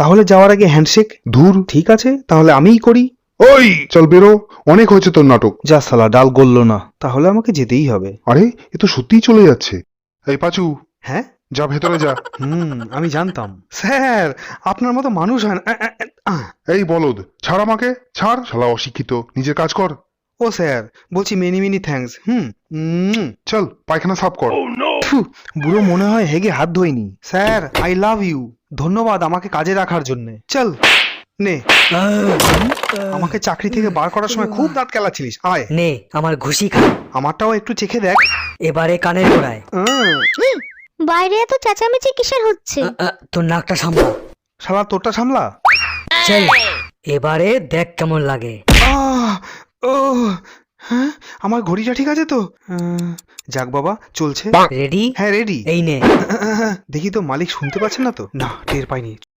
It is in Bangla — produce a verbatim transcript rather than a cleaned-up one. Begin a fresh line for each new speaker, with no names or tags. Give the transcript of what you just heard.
তাহলে যাওয়ার আগে হ্যান্ডশেক?
ধুর,
ঠিক আছে, তাহলে আমিই করি।
ওই চল বেরো, অনেক হয়েছে তোর নাটক।
যা শালা, ডাল গলল না, তাহলে আমাকে যেতেই হবে।
আরে এ তো সত্যিই চলে যাচ্ছে। এই পাচু,
হ্যাঁ,
যা ভেতরে যা।
হুম, আমি জানতাম। স্যার, আপনার মতো মানুষ হয় না। আ, আ, আ, আহ।
এই বলদ, ছাড় আমাকে, ছাড়, শালা অশিক্ষিত, নিজের কাজ কর।
ও স্যার, বলছি many many thanks. Hmm um,
চল পায়খানা সাফ কর।
ফু, বুড়ো মনে হয় হেগে হাত ধোয়নি। Sir, I love you. ধন্যবাদ আমাকে কাজে রাখার জন্য। চল নে, আমাকে চাকরি থেকে বার করার সময় খুব দাঁত কেলাচ্ছিলিস। আয়,
নে আমার ঘুষি খা,
আমারটাও একটু চেখে দেখ।
এবারে কানের গোড়ায়।
উম,
বাইরে এত চেঁচামেচি কিসের হচ্ছে?
আ, আ, তোর নাকটা সামলা।
শালা তোরটা সামলা।
চল এবারে দেখ কেমন লাগে।
আহ, ও, হ্যাঁ, আমার ঘড়িটা ঠিক আছে তো? আহ, যাক বাবা, চলছে।
রেডি?
হ্যাঁ রেডি।
এই নে।
দেখি তো মালিক শুনতে পাচ্ছেন না তো? না, টের পাইনি।